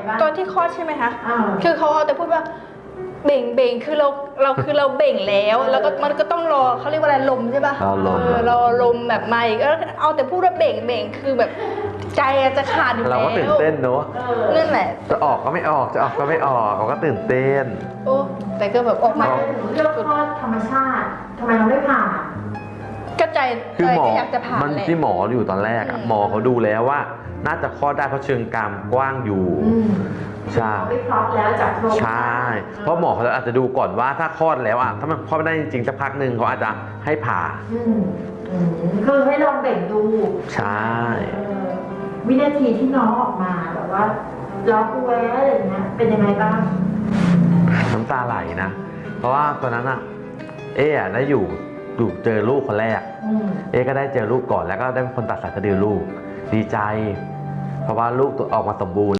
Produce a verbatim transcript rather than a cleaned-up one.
ตอนที่คลอดใช่ไหมคะคือเขาเอาแต่พูดว่าเบ่งเบ่งคือเราเราคือเราเบ่งแล้วแล้วก็มันก็ต้องรอเขาเรียกว่าอะไรลมใช่ป่ะรอลมแบบมาอีกก็เอาแต่พูดว่าเบ่งเบ่งคือแบบใจจะขาดอยู่แล้วเราก็ตื่นเต้นเนอะนั่นแหละจะออกก็ไม่ออกจะออกก็ไม่ออกเราก็ตื่นเต้นโอ้แต่ก็แบบออกมาถึงเลือกคลอดธรรมชาติทำไมเราไม่ผ่าก็ใจคือหมออยากจะผ่ามันที่หมออยู่ตอนแรกอะหมอเขาดูแล้วว่าน่าจะคลอดได้เพราะเชิงกรามกว้างอยู่ใช่ไม่คลอดแล้วจากโรงใช่เพราะหมอเขาอาจจะดูก่อนว่าถ้าคลอดแล้วอ่ะถ้ามันคลอดไม่ได้จริงๆสักพักหนึ่งเขาอาจจะให้ผ่าคือให้ลองเบ่งดูใช่วินาทีที่น้องออกมาแบบว่าร้องแวะอะไรอย่างเงี้ยเป็นยังไงบ้างน้ำตาไหลนะเพราะว่าตอนนั้นอ่ะเอ๊ะได้อยู่ดูเจอลูกคนแรกเอ๊ก็ได้เจอลูกก่อนแล้วก็ได้เป็นคนตัดสายสะดือลูกดีใจเพราะว่าลูกตัวออกมาสมบูรณ์